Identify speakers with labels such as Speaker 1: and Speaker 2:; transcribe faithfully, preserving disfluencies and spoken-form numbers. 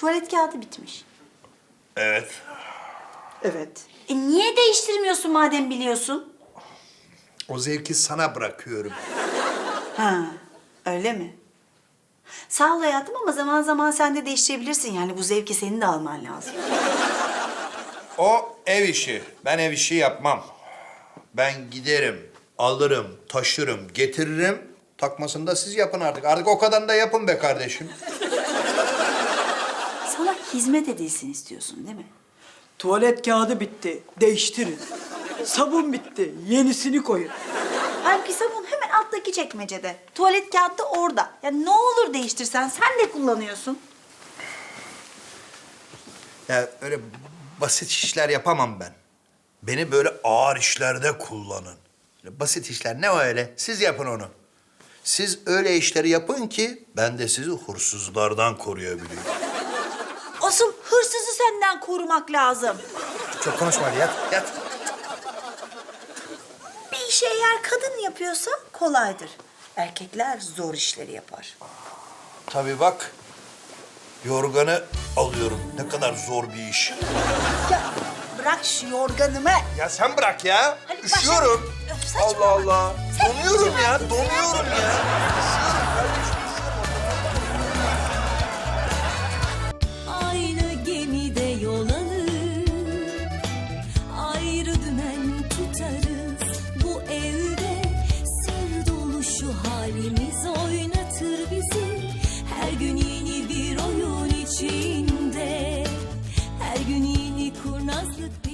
Speaker 1: Tuvalet kağıdı bitmiş.
Speaker 2: Evet.
Speaker 3: Evet.
Speaker 1: E niye değiştirmiyorsun madem biliyorsun?
Speaker 2: O zevki sana bırakıyorum.
Speaker 1: Ha, öyle mi? Sağ ol hayatım ama zaman zaman sen de değiştirebilirsin. Yani bu zevki senin de alman lazım.
Speaker 2: O ev işi. Ben ev işi yapmam. Ben giderim, alırım, taşırım, getiririm. Takmasını da siz yapın artık. Artık o kadar da yapın be kardeşim.
Speaker 1: Sana hizmet edilsin istiyorsun değil mi?
Speaker 3: Tuvalet kağıdı bitti. Değiştirin. Sabun bitti. Yenisini koyun.
Speaker 1: Halbuki sabun hemen alttaki çekmecede. Tuvalet kağıdı da orada. Ya ne olur değiştirsen, sen de kullanıyorsun.
Speaker 2: Ya öyle basit işler yapamam ben. Beni böyle ağır işlerde kullanın. Böyle basit işler ne o öyle? Siz yapın onu. Siz öyle işleri yapın ki ben de sizi hırsızlardan koruyabileyim.
Speaker 1: Asıl hırsızı senden korumak lazım.
Speaker 2: Çok konuşma hadi yat, yat.
Speaker 1: Bir işi eğer kadın yapıyorsa kolaydır. Erkekler zor işleri yapar.
Speaker 2: Tabii bak, yorganı alıyorum. Ne kadar zor bir iş.
Speaker 1: Ya bırak şu yorganımı.
Speaker 2: Ya sen bırak ya.
Speaker 1: Hadi
Speaker 2: Üşüyorum.
Speaker 1: başla. Öf, saçmalama.
Speaker 2: Allah Allah.
Speaker 1: Sen
Speaker 2: Donuyorum ya,
Speaker 1: üşümezsin,
Speaker 2: donuyorum
Speaker 1: sen
Speaker 2: ya. Üşüyorum kardeşim.
Speaker 4: Aynı gemide yol alır, ayrı dümen tutarız. Bu evde sır dolu şu halimiz oynatır bizi. Her gün yeni bir oyun içinde, her gün yeni kurnazlık.